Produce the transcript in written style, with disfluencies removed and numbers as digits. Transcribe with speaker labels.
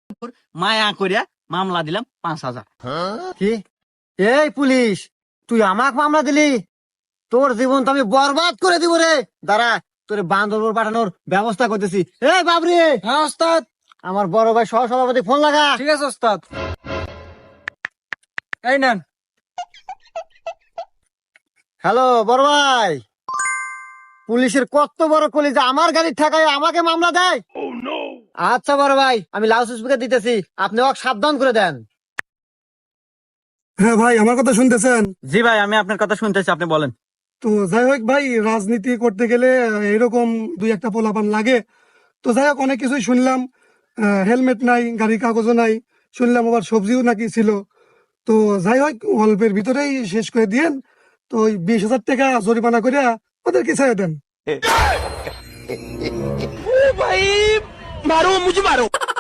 Speaker 1: মায়া করিয়া মামলা দিলাম 5,000।
Speaker 2: কি? এই পুলিশ, তুই আমাক মামলা দিলি? তোর জীবন তো আমি বরবাদ করে দিব রে। দাঁড়া, তোর বান্দরপুর পাঠানোর ব্যবস্থা করতেছি। এই বাবরি,
Speaker 3: হ্যাঁ ওস্তাদ।
Speaker 2: আমার বড় ভাই সহ সভাপতি ফোন লাগা।
Speaker 3: ঠিক আছে ওস্তাদ। এই নেন।
Speaker 2: হ্যালো বড় ভাই, পুলিশের কত বড় কলিজা, আমার গাড়ির ঠেকায় আমাকে মামলা দেয়। আচ্ছা বড় ভাই, আমি লাউড স্পিকার দিতেছি, আপনি ওকে সাবধান করে দেন।
Speaker 4: হ্যাঁ ভাই, আমার কথা শুনতেছেন?
Speaker 1: জি ভাই, আমি আপনার কথা শুনতেছি, আপনি বলেন।
Speaker 4: তো যাই হোক ভাই, রাজনীতি করতে গেলে এরকম দুই একটা পোলাপান লাগে। তো যাই হোক, অনেক কিছুই শুনলাম। হেলমেট নাই, গাড়ির কাগজও নাই, শুনলাম আবার সবজিও নাকি ছিল। তো যাই হোক, অল্পের ভিতরেই শেষ করে দিয়েন। তো ওই 20,000 টাকা জরিমানা করে ওদেরকে ছেড়ে দেন।
Speaker 3: ভাই মারো, মুঝে মারো।